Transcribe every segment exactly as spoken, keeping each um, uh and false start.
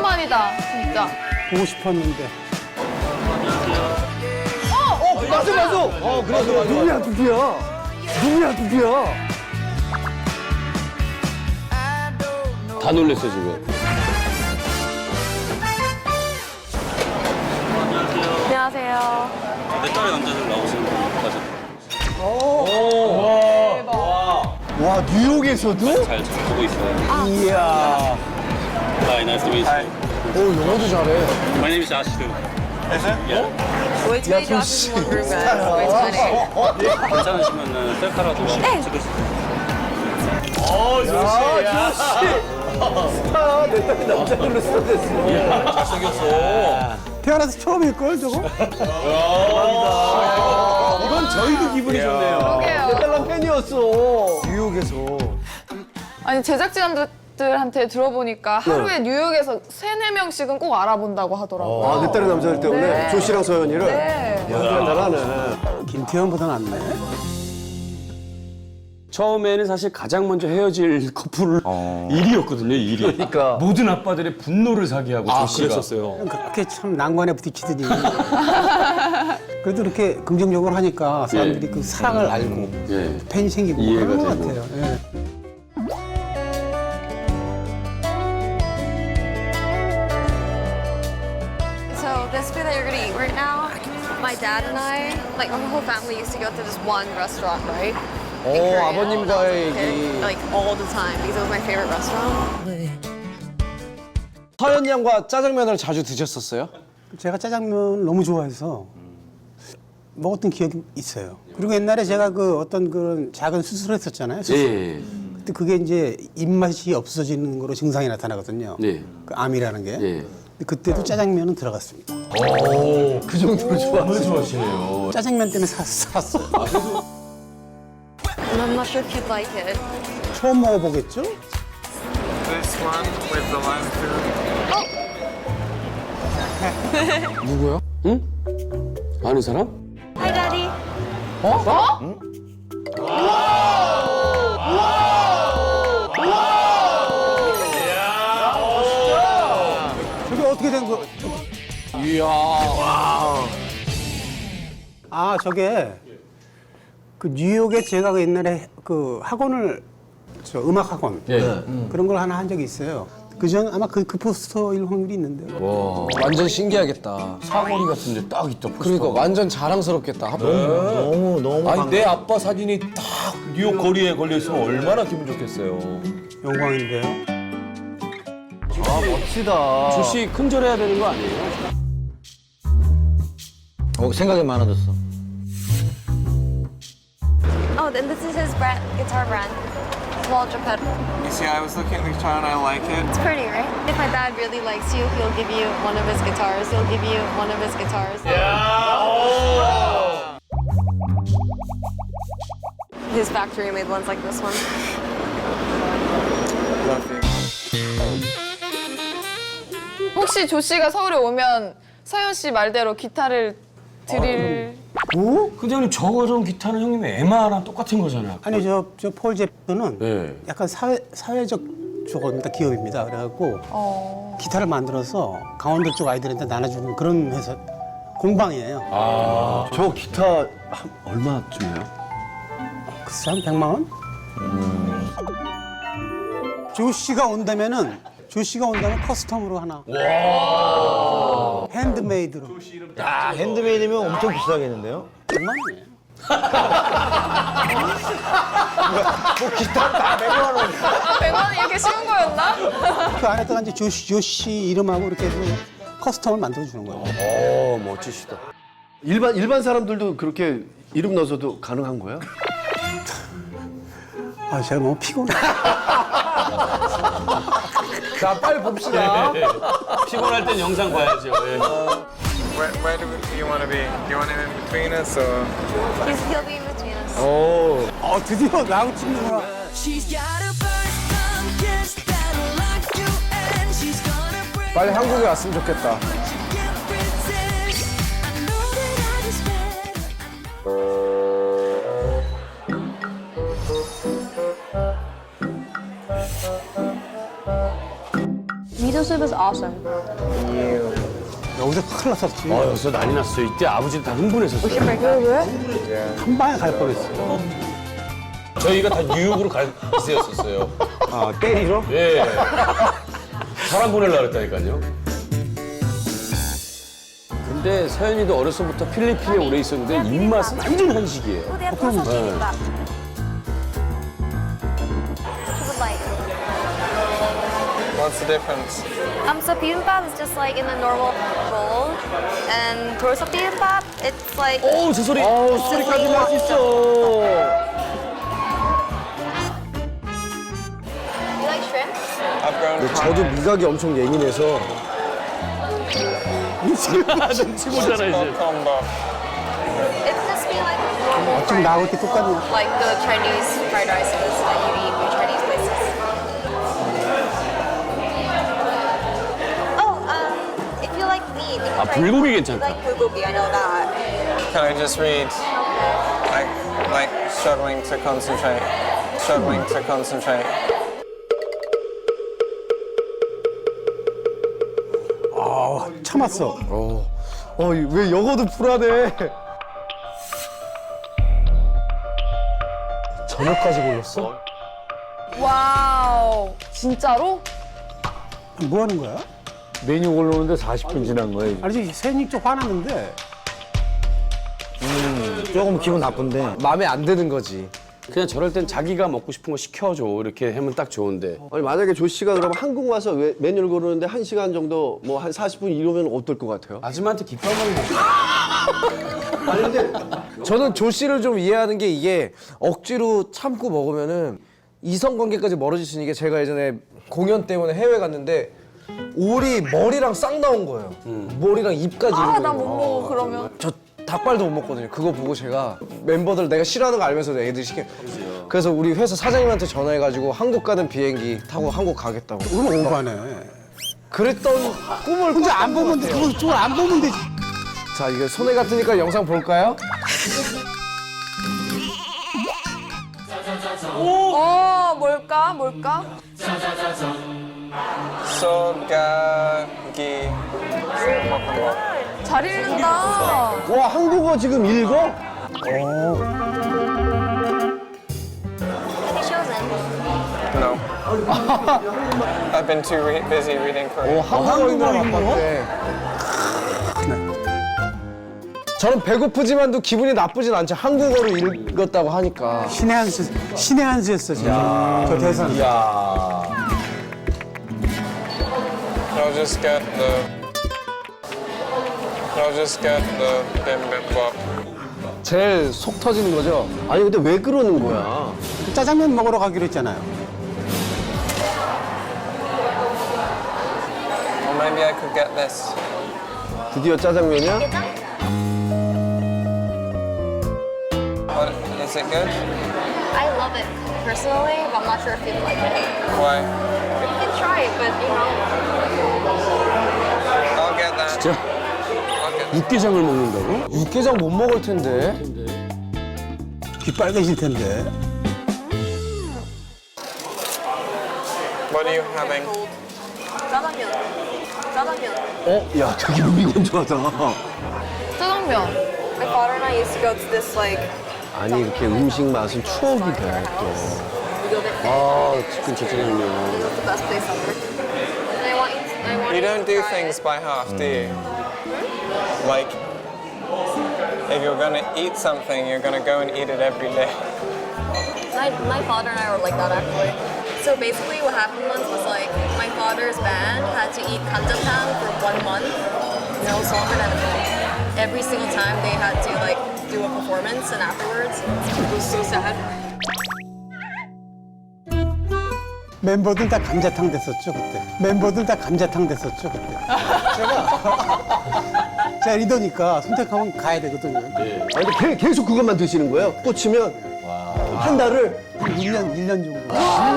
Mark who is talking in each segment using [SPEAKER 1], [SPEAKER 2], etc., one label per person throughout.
[SPEAKER 1] 오랜만이다, 진짜.
[SPEAKER 2] 보고 싶었는데.
[SPEAKER 3] 어, 맞아, 맞아. 어, 그래, 그래. 누구야, 누구야? 누구야, 누구야?
[SPEAKER 4] 다 놀랬어 지금.
[SPEAKER 1] 안녕하세요.
[SPEAKER 5] 내 딸의 남자들 나오시는 분까지
[SPEAKER 3] 와, 뉴욕에서도?
[SPEAKER 5] 잘 보고 있어요.
[SPEAKER 3] 이야.
[SPEAKER 5] Hi, nice to meet you.
[SPEAKER 3] 오, 영어도 잘해.
[SPEAKER 5] My name is Ashdoo. Yeah.
[SPEAKER 1] Wait till you drop in one room, guys. Wait till I
[SPEAKER 5] 괜찮으시면 셀카라도 찍을 수 있어요.
[SPEAKER 3] 야, 조씨. 스타, 내 딸이 남자들로 스타 됐어.
[SPEAKER 5] 잘생겼어.
[SPEAKER 2] 태어나서 처음일걸, 저거?
[SPEAKER 3] 이건 저희도 기분이 좋네요.
[SPEAKER 1] 그러게요.
[SPEAKER 3] 내 딸랑 팬이었어. 뉴욕에서.
[SPEAKER 1] 아니, 제작진들한테 들어보니까 하루에 뉴욕에서 세네 명씩은 꼭 알아본다고 하더라고요.
[SPEAKER 3] 아, 내 딸의 남자들 때문에
[SPEAKER 1] 네.
[SPEAKER 3] 조씨랑 서연이를?
[SPEAKER 1] 네.
[SPEAKER 3] 야, 잘하네.
[SPEAKER 2] 김태현보다 낫네.
[SPEAKER 4] 처음에는 사실 가장 먼저 헤어질 커플 일 위였거든요, 일 위.
[SPEAKER 3] 그러니까.
[SPEAKER 4] 모든 아빠들의 분노를 사게 하고
[SPEAKER 5] 아,
[SPEAKER 4] 조씨가.
[SPEAKER 5] 그랬었어요.
[SPEAKER 2] 그렇게 참 난관에 부딪히더니. 그래도 이렇게 긍정적으로 하니까 사람들이
[SPEAKER 4] 예.
[SPEAKER 2] 그 사랑을 알고
[SPEAKER 4] 예.
[SPEAKER 2] 팬이 생기고
[SPEAKER 4] 이해가
[SPEAKER 2] 그런 것
[SPEAKER 4] 되고.
[SPEAKER 2] 같아요. 예.
[SPEAKER 6] So this food that you're gonna eat right now, my dad and I, like our whole family used to go to this one restaurant, right? In
[SPEAKER 3] 오,
[SPEAKER 6] Korea,
[SPEAKER 3] 아버님과의
[SPEAKER 6] when I was a kid,
[SPEAKER 3] 얘기.
[SPEAKER 6] like all the time because it was my favorite restaurant.
[SPEAKER 3] 서연 양과 짜장면을 자주 드셨었어요?
[SPEAKER 2] 제가 짜장면 너무 좋아해서 먹었던 기억이 있어요. 그리고 옛날에 제가 그 어떤 그런 작은 수술을 했었잖아요. 수술.
[SPEAKER 4] 예.
[SPEAKER 2] 그때 그게 이제 입맛이 없어지는 거로 증상이 나타나거든요.
[SPEAKER 4] 네.
[SPEAKER 2] 그 암이라는 게.
[SPEAKER 4] 예.
[SPEAKER 2] 근데 그때도 짜장면은 들어갔습니다.
[SPEAKER 3] 그 정도로 좋아하세요?
[SPEAKER 4] 좋아하시네요.
[SPEAKER 2] 짜장면 때문에 사, 살았어요.
[SPEAKER 6] And I'm not sure if you'd like it.
[SPEAKER 2] 처음 먹어보겠죠?
[SPEAKER 7] This one with the lime food.
[SPEAKER 3] 누구요?
[SPEAKER 4] 응? 아는 사람?
[SPEAKER 6] Hi, Daddy.
[SPEAKER 2] 저게 어떻게 된 거?
[SPEAKER 3] 이야.
[SPEAKER 2] 아, 저게 그 뉴욕에 제가 그 옛날에 그 학원을 저 음악 학원
[SPEAKER 4] 예.
[SPEAKER 2] 그런 걸 하나 한 적이 있어요. 그전 아마 그, 그 포스터일 확률이 있는데요.
[SPEAKER 3] 완전 신기하겠다.
[SPEAKER 4] 사거리 같은데 딱 있다. 포스터가.
[SPEAKER 3] 그러니까 완전 자랑스럽겠다.
[SPEAKER 8] 너무 너무
[SPEAKER 5] 아니 내 아빠 사진이 딱 뉴욕 거리에 걸려 있으면 얼마나 기분 좋겠어요.
[SPEAKER 2] 영광인데요.
[SPEAKER 3] 아, 멋지다.
[SPEAKER 4] 조씨 큰절해야 되는 거 아니에요?
[SPEAKER 8] 어, 생각이 많아졌어.
[SPEAKER 6] Oh, then this is his brand, guitar brand. Walter Pedal.
[SPEAKER 7] You see, I was looking at the guitar and I like it.
[SPEAKER 6] It's pretty, right? If my dad really likes you, he'll give you one of his guitars. He'll give you one of his guitars. His factory made ones like this one.
[SPEAKER 1] 혹시 조 씨가 서울에 오면 서현 씨 말대로 기타를 드릴
[SPEAKER 2] 오?
[SPEAKER 4] 근데 형님 저런 기타는 형님 에마랑 똑같은 거잖아요.
[SPEAKER 2] 아니 저 저 폴 제프는
[SPEAKER 4] 네.
[SPEAKER 2] 약간 사회 사회적 저겁니다 기업입니다. 그래갖고
[SPEAKER 1] 어...
[SPEAKER 2] 기타를 만들어서 강원도 쪽 아이들한테 나눠주는 그런 회사 공방이에요.
[SPEAKER 4] 아.
[SPEAKER 3] 저 기타 한 얼마쯤이에요?
[SPEAKER 2] 글쎄 한 백만 원? 조 씨가 온다면은 조 씨가 온다면 커스텀으로 하나. 핸드메이드로.
[SPEAKER 8] 야, 핸드메이드면 엄청 비싸겠는데요?
[SPEAKER 2] 백만 원이에요.
[SPEAKER 1] 백만 원이 이렇게 쉬운 거였나?
[SPEAKER 2] 그 안에다가 이제 조 씨, 조 씨 이름하고 이렇게 해서 커스텀을 만들어주는 거예요.
[SPEAKER 3] 오, 멋지시다. 일반, 일반 사람들도 그렇게 이름 넣어서도 가능한 거야?
[SPEAKER 2] 아, 제가 너무 피곤해.
[SPEAKER 3] 자, 빨리 봅시다.
[SPEAKER 4] 피곤할 땐 영상 봐야죠. 예.
[SPEAKER 7] Where, where do you want to be? Do you want him in between us or?
[SPEAKER 6] He's, he'll be in between us.
[SPEAKER 3] 오.
[SPEAKER 2] 어, 드디어 나하고 찍는구나.
[SPEAKER 3] 빨리 한국에 왔으면 좋겠다.
[SPEAKER 6] 미도 Miso soup is awesome.
[SPEAKER 2] 여기서 큰일 났었지.
[SPEAKER 4] 어, 여기서 난리 났어요. 이때 아버지도 다 흥분했었어요.
[SPEAKER 2] 한 방에 갈 뻔했어.
[SPEAKER 5] 저희가 다 뉴욕으로 갈 기세였었어요.
[SPEAKER 2] 아, 때리러?
[SPEAKER 5] 예. 사람 보내려고 그랬다니까요.
[SPEAKER 4] 근데 서연이도 어려서부터 필리핀에 오래 있었는데 입맛은 완전 한식이에요.
[SPEAKER 6] Oh, they have puzzle bibimbap. What you would like?
[SPEAKER 7] What's the difference?
[SPEAKER 6] Um, so bibimbap is just like in a normal bowl, and rosa bibimbap, it's like.
[SPEAKER 4] 오, 저 소리. 어, 소리까지 맛있어.
[SPEAKER 6] You like shrimp?
[SPEAKER 7] I've grown
[SPEAKER 3] 저도 미각이 엄청 예민해서
[SPEAKER 4] 눈치 보잖아, 이제.
[SPEAKER 7] combo.
[SPEAKER 6] It's just be like normal
[SPEAKER 2] 좀
[SPEAKER 6] fried
[SPEAKER 2] 나하고
[SPEAKER 6] rice.
[SPEAKER 2] 이렇게 똑같네.
[SPEAKER 6] Like the Chinese fried rices that you eat in Chinese places. Oh, um, if you like meat, you can
[SPEAKER 4] 아,
[SPEAKER 6] try-
[SPEAKER 4] 불고기
[SPEAKER 6] You
[SPEAKER 4] 괜찮다.
[SPEAKER 6] like bulgogi, I know that.
[SPEAKER 7] Can I just read? Like, like struggling to concentrate. Struggling to concentrate.
[SPEAKER 2] 참았어.
[SPEAKER 3] 어, 왜 영어도 불안해. 저녁까지 골랐어?
[SPEAKER 1] 와우. 진짜로?
[SPEAKER 2] 뭐 하는 거야?
[SPEAKER 8] 메뉴 고르는데 사십 분 지난 거예요.
[SPEAKER 2] 아니, 세연이 좀 화났는데.
[SPEAKER 8] 조금 기분 나쁜데.
[SPEAKER 3] 마음에 안 드는 거지.
[SPEAKER 4] 그냥 저럴 땐 자기가 먹고 싶은 거 시켜줘. 이렇게 하면 딱 좋은데.
[SPEAKER 3] 아니 만약에 조 씨가 그러면 한국 와서 왜- 메뉴를 고르는데 한 시간 정도 뭐 한 사십 분 이러면 어떨 것 같아요?
[SPEAKER 4] 아줌마한테 기뻐하면
[SPEAKER 9] 저는 조 씨를 좀 이해하는 게 이게 억지로 참고 먹으면은 이성 관계까지 멀어질 수 있는 게 제가 예전에 공연 때문에 해외 갔는데 오리 머리랑 싹 나온 거예요. 머리랑 입까지.
[SPEAKER 1] 아,
[SPEAKER 9] 있는
[SPEAKER 1] 나
[SPEAKER 9] 거예요.
[SPEAKER 1] 못 먹어, 그러면.
[SPEAKER 9] 저 닭발도 못 먹거든요. 그거 보고 제가 멤버들 내가 싫어하는 거 알면서 애들이 시켜. 그래서 우리 회사 사장님한테 전화해가지고 한국 가는 비행기 타고 한국 가겠다고.
[SPEAKER 2] 그건 오바네.
[SPEAKER 9] 그랬던 꿈을
[SPEAKER 2] 근데 안
[SPEAKER 9] 꿨던
[SPEAKER 2] 보면
[SPEAKER 9] 것
[SPEAKER 2] 돼.
[SPEAKER 9] 같아요.
[SPEAKER 2] 그걸 그걸 안 보면 되지.
[SPEAKER 9] 자, 이게 손해 같으니까 영상 볼까요?
[SPEAKER 1] 어, 뭘까? 뭘까?
[SPEAKER 7] 소가기.
[SPEAKER 1] 잘 읽는다.
[SPEAKER 3] 와 한국어 지금 읽어?
[SPEAKER 6] Have you chosen?
[SPEAKER 7] No. I've been too re- busy reading Korean.
[SPEAKER 9] 한국어 읽는 바빴대. 저는 배고프지만도 기분이 나쁘진 않죠. 한국어로 읽었다고 하니까.
[SPEAKER 2] 신의 한 수, 신의 한 수였어, 진짜. 저 대사는.
[SPEAKER 7] I'll just get the. I'll just get the bibimbap.
[SPEAKER 9] 제일 속 터지는 거죠.
[SPEAKER 3] 아니 근데 왜 그러는 거야?
[SPEAKER 2] 그 짜장면 먹으러 가기로 했잖아요.
[SPEAKER 7] Or maybe I could get this.
[SPEAKER 3] 드디어 짜장면이야?
[SPEAKER 7] What, is it good?
[SPEAKER 6] I love it personally, but I'm not sure if you'd like it.
[SPEAKER 7] Why?
[SPEAKER 6] You can try it, but you know.
[SPEAKER 7] I'll get that.
[SPEAKER 4] 진짜
[SPEAKER 7] I'll get
[SPEAKER 4] 육개장을 먹는다고?
[SPEAKER 9] 육개장 못 먹을 텐데.
[SPEAKER 2] 귀 빨개질 텐데.
[SPEAKER 7] What are you having?
[SPEAKER 6] 짜장면. 짜장면.
[SPEAKER 3] 어? 야 되게 무미건조하다.
[SPEAKER 1] 짜장면.
[SPEAKER 6] My father and I used to go to this like.
[SPEAKER 3] 아니 이렇게 음식 맛은 추억이 돼 또.
[SPEAKER 4] 아, 치킨 짜장면.
[SPEAKER 6] It's the best place ever. And I want you. To, I want
[SPEAKER 7] You
[SPEAKER 6] you
[SPEAKER 7] don't
[SPEAKER 6] to
[SPEAKER 7] do
[SPEAKER 6] try
[SPEAKER 7] things
[SPEAKER 6] it.
[SPEAKER 7] by half, do you? Like, if you're gonna eat something, you're gonna go and eat it every day.
[SPEAKER 6] My, my father and I were like that actually. So basically what happened once was like my father's band had to eat kanjapang for one month. No, it was longer than a month. Every single time they had to like do a performance and afterwards. It was so sad.
[SPEAKER 2] 멤버들 다 감자탕 됐었죠, 그때. 멤버들 다 감자탕 됐었죠, 그때. 제가, 제가 리더니까 선택하면 가야 되거든요.
[SPEAKER 3] 아니 근데 계- 계속 그것만 드시는 거예요? 꽂히면 한 달을
[SPEAKER 2] 일 년, 일 년 정도.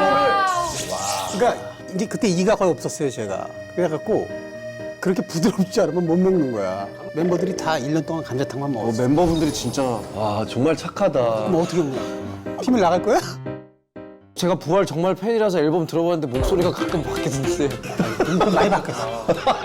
[SPEAKER 2] 그러니까 이제 그때 이가 거의 없었어요, 제가. 그래갖고 그렇게 부드럽지 않으면 못 먹는 거야. 멤버들이 다 일 년 동안 감자탕만
[SPEAKER 3] 어,
[SPEAKER 2] 먹었어.
[SPEAKER 3] 멤버분들이 진짜 와 정말 착하다.
[SPEAKER 2] 그럼 어떻게 먹냐? 팀을 나갈 거야?
[SPEAKER 9] 제가 부활 정말 팬이라서 앨범 들어봤는데 목소리가 가끔 바뀌는데
[SPEAKER 2] 좀 많이 바뀌었어.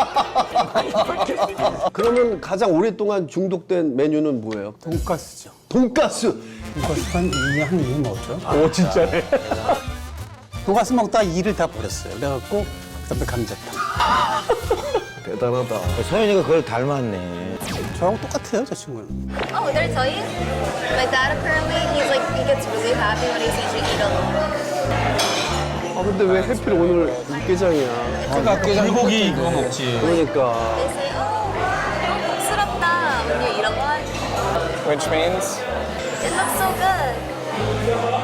[SPEAKER 3] 그러면 가장 오랫동안 중독된 메뉴는 뭐예요?
[SPEAKER 2] 돈가스죠.
[SPEAKER 3] 돈가스.
[SPEAKER 2] 돈가스 한 이 년, 한 이 년 먹었죠.
[SPEAKER 3] 오 진짜네.
[SPEAKER 2] 돈가스 먹다가 이를 다 버렸어요. 그래갖고 그다음에 감자탕.
[SPEAKER 3] 대단하다.
[SPEAKER 8] 서현이가 그걸 닮았네.
[SPEAKER 2] 저하고 똑같아요, 저 친구는.
[SPEAKER 6] Oh, did I tell you? My dad apparently, he's like, he gets really happy when he sees you eat alone.
[SPEAKER 3] 아 근데 왜 해필 오늘 육개장이야?
[SPEAKER 5] 불고기 그거 먹지.
[SPEAKER 3] 그러니까.
[SPEAKER 6] They say, oh, 너무 복스럽다 when you eat a lot.
[SPEAKER 7] Which means
[SPEAKER 6] It looks so good.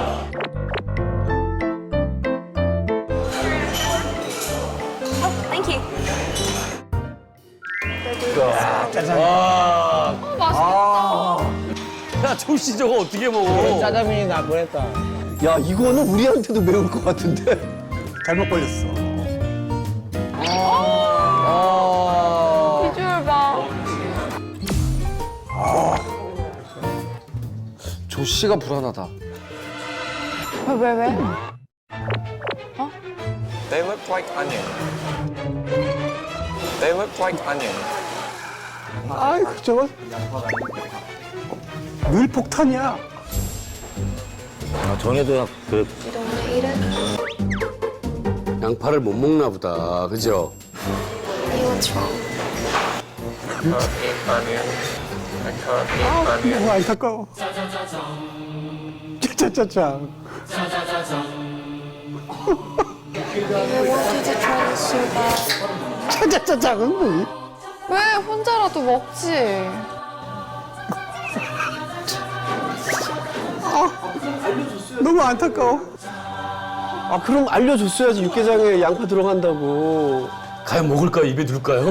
[SPEAKER 6] Oh, thank you.
[SPEAKER 4] 야, 조씨 저거 어떻게 먹어?
[SPEAKER 8] 짜장면이 나 보냈다.
[SPEAKER 3] 야 이거는 우리한테도 매울 것 같은데.
[SPEAKER 2] 잘못 걸렸어.
[SPEAKER 1] 비주얼 봐.
[SPEAKER 9] 조씨가 불안하다.
[SPEAKER 1] 왜, 왜, 왜?
[SPEAKER 7] they look like onion. They look like onion.
[SPEAKER 2] 아이고, 저거. 늘 폭탄이야.
[SPEAKER 8] 아, 전에도 그
[SPEAKER 6] You don't want to eat it?
[SPEAKER 4] 양파를 못 먹나 보다. 그죠?
[SPEAKER 6] Hey, what's wrong?
[SPEAKER 7] I can't eat onion. I can't eat onion.
[SPEAKER 2] 너무 안타까워. 짜짜짜짜.
[SPEAKER 6] I want you to try this so bad.
[SPEAKER 2] 짜짜짜짜는 뭐니?
[SPEAKER 1] 왜 혼자라도 먹지?
[SPEAKER 2] 너무 안타까워.
[SPEAKER 3] 아 그럼 알려줬어야지 육개장에 양파 들어간다고.
[SPEAKER 4] 과연 먹을까요? 입에 둘까요?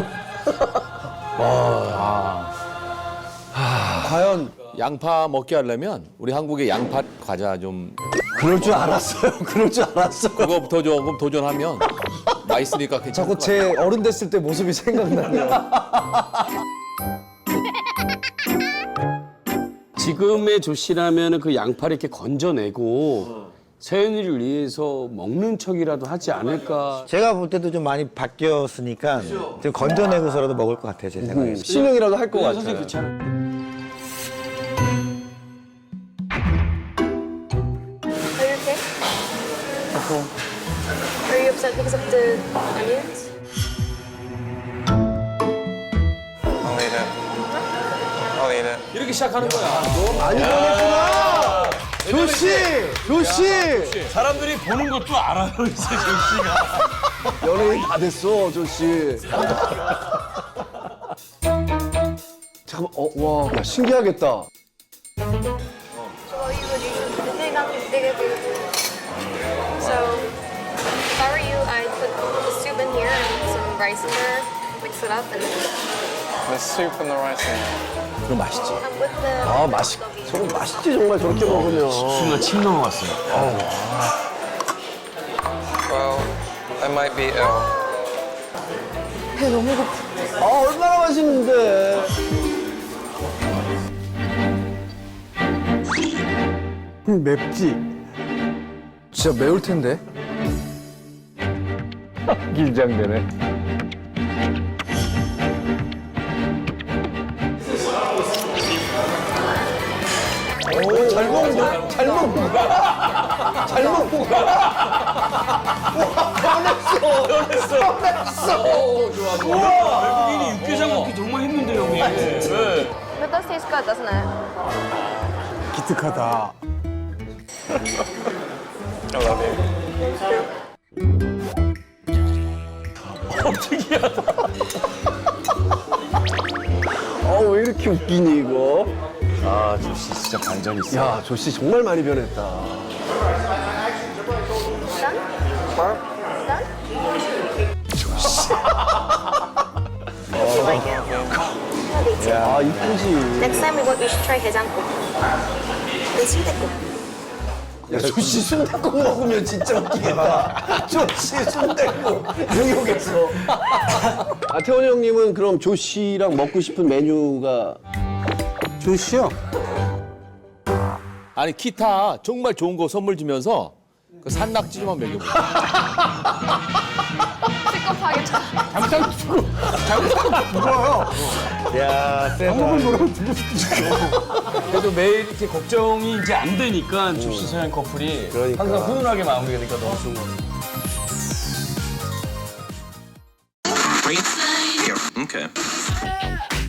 [SPEAKER 5] 과연 양파 먹게 하려면 우리 한국의 양파 과자 좀
[SPEAKER 3] 그럴 줄 알았어요. 그럴 줄 알았어.
[SPEAKER 5] 그거부터 조금 도전하면 맛있으니까 괜찮을
[SPEAKER 9] 자꾸
[SPEAKER 5] 것 같아요.
[SPEAKER 9] 제 어른 됐을 때 모습이 생각나네요.
[SPEAKER 4] 지금의 조씨라면 그 양파를 이렇게 건져내고 서현이를 위해서 먹는 척이라도 하지 않을까.
[SPEAKER 8] 제가 볼 때도 좀 많이 바뀌었으니까 좀 건져내고서라도 먹을 것 같아요, 제 생각에.
[SPEAKER 3] 신용이라도 할 것 같아요.
[SPEAKER 4] 선생님 그렇잖아.
[SPEAKER 6] Are you okay? Are you upset because of the onions?
[SPEAKER 7] I'll eat it. I'll eat it.
[SPEAKER 5] 이렇게 시작하는 거야.
[SPEAKER 3] 많이 보냈구나. 조씨, 조씨.
[SPEAKER 5] 사람들이 보는 것도 알아요, 이제 조씨가.
[SPEAKER 3] 연예인 다 됐어, 조씨. 잠깐만, 어, 와, 야, 신기하겠다.
[SPEAKER 6] Well, you would usually think I'm bigger, bigger. So, if I were you, I'd put the soup in here and some rice in there, mix it up, and
[SPEAKER 7] The soup and the rice in it.
[SPEAKER 8] 그럼 맛있지.
[SPEAKER 6] I'm with the.
[SPEAKER 3] 아, 맛있, 저거 맛있지, 정말 저렇게 먹으면.
[SPEAKER 4] 순간 침 넘어갔어요.
[SPEAKER 7] Well, I might be ill.
[SPEAKER 1] 배 너무 고파.
[SPEAKER 3] 아, 얼마나 맛있는데.
[SPEAKER 2] 음, 맵지?
[SPEAKER 9] 진짜 매울 텐데.
[SPEAKER 8] 긴장되네.
[SPEAKER 3] 오, 잘 먹는다. 잘 먹는다. 잘 먹는다. 와, 변했어. 변했어. 변했어.
[SPEAKER 4] 외국인이 육개장 먹기 정말 힘든데 형님. 네.
[SPEAKER 6] But it does taste good, doesn't it?
[SPEAKER 2] 기특하다.
[SPEAKER 7] I love you.
[SPEAKER 3] 어, 왜 이렇게 웃기니, 이거?
[SPEAKER 4] 아, 조씨 진짜 반전 있어.
[SPEAKER 3] 야, 조씨 정말 많이 변했다.
[SPEAKER 6] Done? Done? You like it? Yeah, me too.
[SPEAKER 3] 아, 이쁘지.
[SPEAKER 6] Next time we go, we should try 해장국. And 순댓국.
[SPEAKER 3] 야, 조씨 순댓국 먹으면 진짜 웃기겠다. 조씨 순댓국 뉴욕에서. 아, 태원이 형님은 그럼 조씨랑 먹고 싶은 메뉴가
[SPEAKER 2] 조씨요?
[SPEAKER 5] 아니 기타 정말 좋은 거 선물 주면서 그 산낙지 좀만 먹여보세요.
[SPEAKER 1] 픽업하겠다.
[SPEAKER 2] 잠깐 죽어. 잠깐 죽어요.
[SPEAKER 8] 야, 세다.
[SPEAKER 2] 방법을 모르면 죽을 수도 있어.
[SPEAKER 4] 그래도 매일 이렇게 걱정이 이제 안 되니까 조씨 서현 커플이
[SPEAKER 8] 그러니까.
[SPEAKER 4] 항상 훈훈하게 마무리가 되니까 너무 좋은 것 같아요.
[SPEAKER 10] Here. Okay.